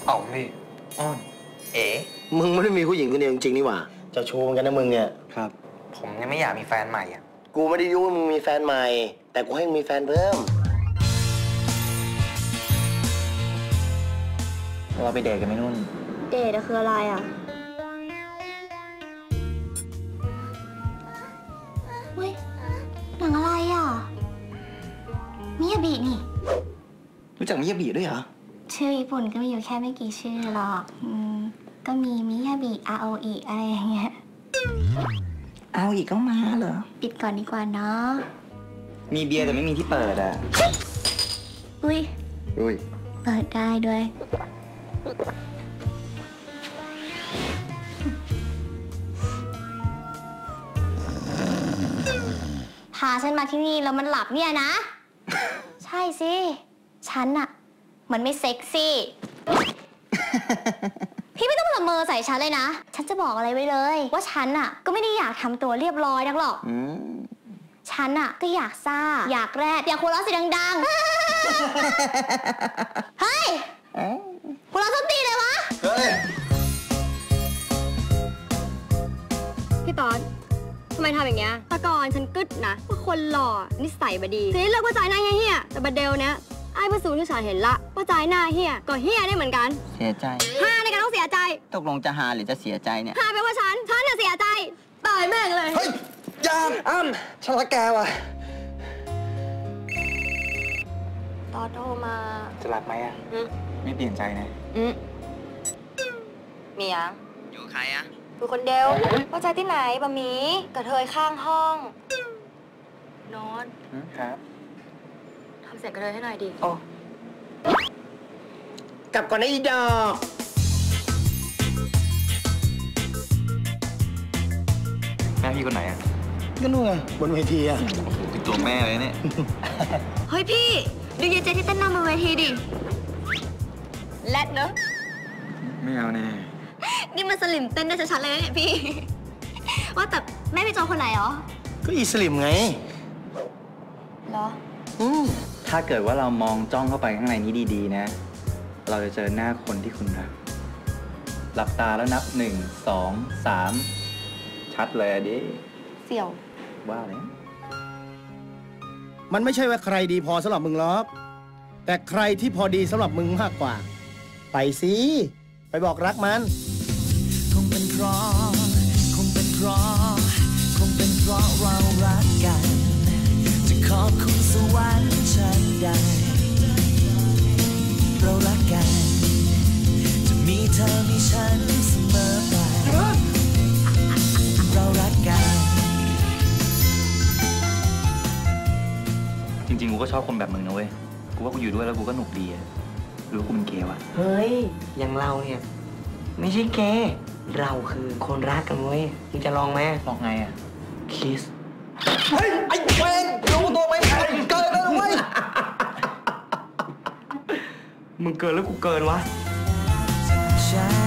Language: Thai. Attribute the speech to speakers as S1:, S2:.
S1: อ๋อพี่อ้อน
S2: มึงไม่ได้มีผู้หญิงคนเดียวจริงๆนี่หว่าจะโชว์กันนะมึงเนี่ย
S1: ครับผมยังไม่อยากมีแฟนใหม่อ่ะ
S2: กูไม่ได้ยุ่งว่ามึงมีแฟนใหม่แต่กูให้มึงมีแฟนเพิ่ม
S1: เราไปเดทกันไหมนุ่น
S3: เดทคืออะไรอ่ะเฮ้ยหนังอะไรอ่ะมิยาบินี่
S1: รู้จักมิยาบิด้วยเหรอ
S3: ชื่อญี่ปุ่นก็มีอยู่แค่ไม่กี่ชื่อหรอกก็มีมิยาบิอาโออิอะไรอย่างเงี้ย
S1: เอาอีกก็มาเหรอ
S3: ปิดก่อนดีกว่าเนาะ
S1: มีเบียร์แต่ไม่มีที่เปิดอ่ะ
S3: อุ้ยเปิดได้ด้วยพาฉันมาที่นี่แล้วมันหลับเนี่ยนะ ใช่สิฉันอะมันไม่เซ็กซี่ พี่ไม่ต้องละเมอใส่ฉันเลยนะฉันจะบอกอะไรไว้เลยว่าฉันอะก็ไม่ได้อยากทำตัวเรียบร้อยนักหรอกฉันอะก็อยากซ่าอยากแรดอยากหัวเราะเสียงดังๆ เฮ้ยหัวเราะส้นตีเลยวะ
S4: พี่ต๊อดทำไมทำอย่างเงี้ยตะกอนฉันกึดนะว่าคนหล่อนิสัยบดีทีนี้เลิกว่าใจหน้าเฮี้ยแต่บัดเดลเนี้ยไอ้ผู้สูงที่ฉันเห็นละว่าใจหน้าเฮี้ยก็เฮี้ยได้เหมือนกัน
S1: เสียใจ
S4: ฮาในการต้องเสียใจ
S1: ตกลงจะฮาหรือจะเสียใจเนี่ย
S4: ฮาแปลว่าฉันน่ะเสียใจตายแม่งเลย
S1: เฮ้ยยามอ้ำฉันรักแกว่ะ
S4: ต๊อดโทรมา
S1: จะรับไหมอ่ะไม่เปลี่ยนใจนะ
S4: มียัง
S1: อยู่ใครอ่ะ
S4: อยู่คนเดียวว่าใจที่ไหนบะหมี่กระเทยข้างห้องนอน
S1: ครับ
S4: ทำเสร็จกระเทยให้หน่อยดิ
S1: โอ้
S2: กลับก่อนนะอีดอก
S1: แม่พี่คนไหนอ่ะ
S2: ก็นู่นไงบนเวทีอ่ะ
S1: เป็นตัวแม่เลยเนี่ย
S4: เฮ้ยพี่ดูเยเจที่เต้นนำบนเวทีดิแรดเนอะ
S1: ไม่เอาแน่
S4: นี่มันสลิมเต้นได้ชัดๆเลยนะเนี่ยพี่ว่าแต่แม่พี่โจคนไหนหรอ
S2: ก็อีสลิมไง
S4: เหรอ
S1: ถ้าเกิดว่าเรามองจ้องเข้าไปข้างในนี้ดีๆนะเราจะเจอหน้าคนที่คุณรักหลับตาแล้วนับ1 2 3ชัดเลยดิ
S4: เสี่ยว
S1: ว่าเลย
S2: มันไม่ใช่ว่าใครดีพอสำหรับมึงหรอกแต่ใครที่พอดีสำหรับมึงมากกว่าไปสิไปบอกรักมัน
S5: คงเป็นเพราะเรารักกันจะขอบคุณสวรรค์ชั้นใดเรารักกันจะมีเธอมีฉันเสมอไปเรารักกัน
S1: จริงๆกูก็ชอบคนแบบมึงนะเว้ยกูว่ากูอยู่ด้วยแล้วกูก็หนุกดีอะหรือว่ากูเป็นเกย์วะ
S6: เฮ้ยอย่างเราเนี่ยไม่ใช่เกย์เราคือคนรักกันเว้ยมึงจะลองไหม
S1: ลองไงอะ
S6: คิส
S1: เฮ้ยไอ้เวนรู้ตัวไหมเกินแล้วเว้ย
S6: มึงเกินแล้วกูเกินวะ